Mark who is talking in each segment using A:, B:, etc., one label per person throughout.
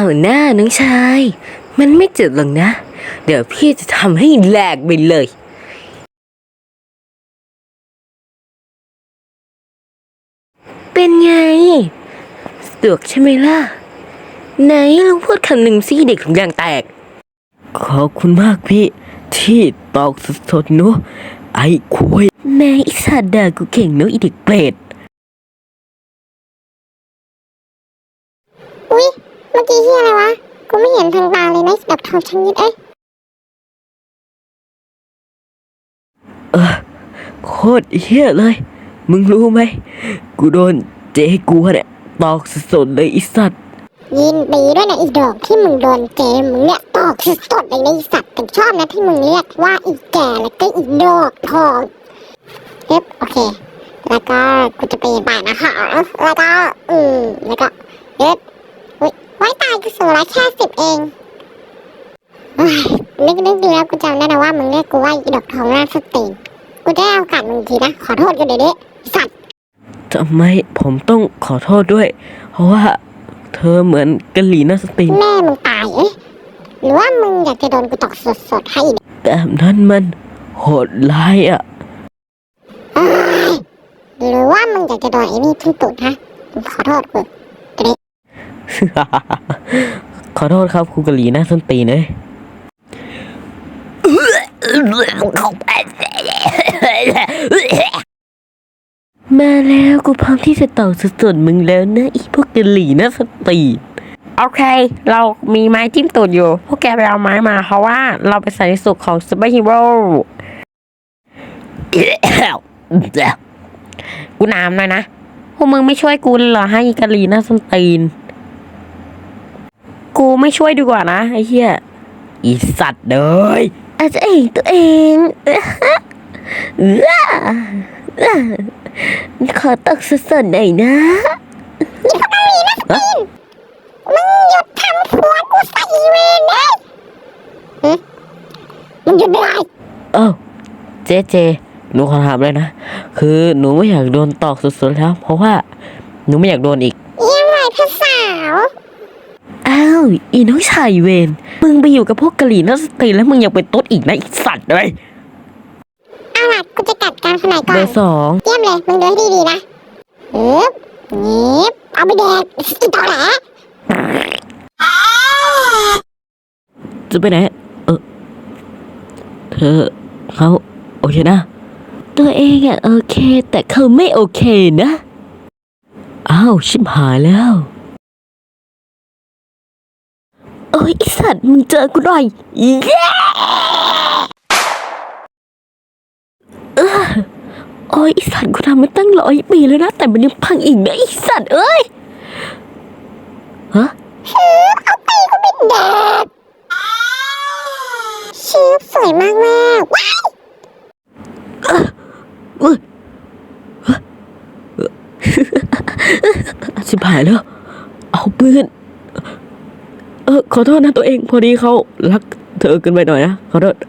A: หน้าน้องชายมันไม่เจ็บหรอกนะเดี๋ยวพี่จะทำให้แหลกไปเลยเป็นไงสะดวกใช่ไหมล่ะไหนลองพูดคำหนึ่งสิเด็กถุงยางแตกขอบคุณมากพี่ที่ตอกสดๆเนาะไอ้คุยแม่อิสาดากูเก่งเนาะอีเด็กเปรต
B: อุ๊ยเมื่อกี้ที่อะไรวะกูไม่เห็นทางตาเลยนะแบบทองชนิด
A: โคตรเฮี้ยเลยมึงรู้ไหมกูโดนเจ๊กูเนี่ยตอกสดๆเลยอีสัตว์
B: ยินดีด้วยนะอีดอกที่มึงโดนเจมึงเนี่ยตอกสดๆเลยนะอีสัตว์แต่ชอบนะที่มึงเรียกว่าอีแก่แล้วก็อีดอกทองโอเคแล้วก็กูจะไปบ่ายนะคะแล้วก็แล้วก็อุ๊ยไว้ตายกูสูงแค่10เองนึกดูแล้วกูจำได้นะว่ามึงเรียกกูว่าอีดอกทองหน้าสติงกูได้เอากัดมึงทีนะขอโทษกันเดี๋ยวนี้สัตว์
A: ทำไมผมต้องขอโทษด้วยเพราะว่าเธอเหมือนกะหรี่หน้าสติง
B: แม่มึงตายหรือว่ามึงอยากจะโดนกูตอกสดๆให้
A: แบบนั้นมันโหดร้ายอ่ะ
B: หรือว่ามึงอยากจะโดนไอ้นี่ทุ่มตูดฮะขอโทษกู
A: ขอโทษครับครูกะหรี่หน้าส้นตีนเลยมาแล้วกูพร้อมที่จะต่อสุดๆมึงแล้วนะอีพวกกะหรี่หน้าส้นตีน
C: โอเคเรามีไม้จิ้มตูดอยู่พวกแกไปเอาไม้มาเพราะว่าเราไปใส่ในสุขของซูเปอร์ฮีโร่กูน้ำหน่อยนะพวกมึงไม่ช่วยกูเหรอให้กะหรี่หน้าส้นตีนกูไม่ช่วยดีกว่านะไอ้เหี้ยอีสัตว์เลย
A: อาจจะเองตัวเองขอตกสดๆหน่อยนะ
B: มึงหยุดทำผัวกูใส่เวรเลยมึงหยุดไม่ได้
A: เจหนูขอถามเลยนะคือหนูไม่อยากโดนตอกสุดๆแล้วเพราะว่าหนูไม่อยากโดนอีก
B: ยังไงพี่สาว
A: อีน้องชายเวรมึงไปอยู่กับพวกกะหรี่หน้าสติแล้วมึงยังเป็นตุ๊ดอีกนะอีสัตว์เลย
B: เอาล่ะกูจะกัดการขนาดก่อน
A: เบอร์2
B: เยี่ยมเลยมึงดูให้ดีๆนะเอาไปแดกอีตอแหล
A: จะไปไหนเธอเขาโอเคนะตัวเองโอเคแต่เขาไม่โอเคนะชิบหายแล้วโอ้ยไอสัตว์มึงเจอกูหน่อยโอ้ยไอสัตว์กูทำมาตั้ง100 ปีแล้วนะแต่มันยังพังอีกนะไอสัตว์เอ้ย
B: เอาไปก็ไม่แดกชื่อสวยมากว้าย
A: ชิบหายแล้วเอาปืนขอโทษนะตัวเองพอดีเขารักเธอเกินไปหน่อยนะขอโทษ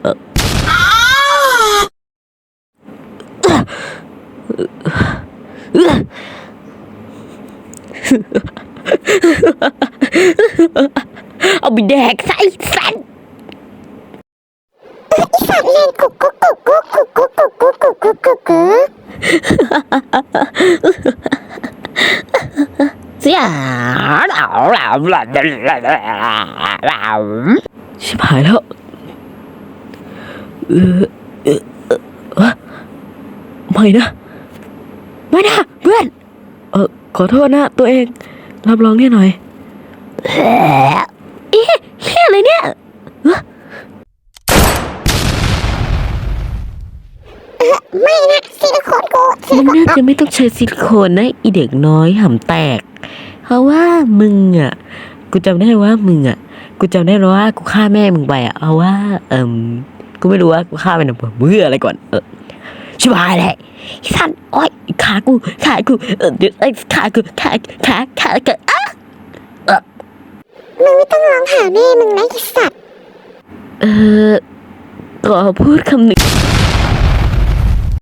A: เอาไปแดกใส่สัน
B: สัตว์เล่นกุ๊ก
C: เสีย
A: ชิบหายแล้วไม่นะเพื่อนขอโทษนะตัวเองรับรองเนี่ยหน่อยแค่อะไรเนี่ย
B: ไม่นะซิลิโคนกู
A: มึงน่าจะไม่ต้องใช้ซิลิโคนนะอีเด็กน้อยหำแตกเพราะว่ามึงกูจำได้ว่ามึงกูจำได้ว่ากูฆ่าแม่มึงไปเอาว่ากูไม่รู้ว่ากูฆ่าไปหนึ่งเบื่ออะไรก่อนชิบหายเลยสัตว์โอ๊ยขากูเดี๋ยวขากู
B: มึงไม่ต้องร้องหาแม่มึงนะไอ้สัตว์
A: ขอพูดคำหนึ่ง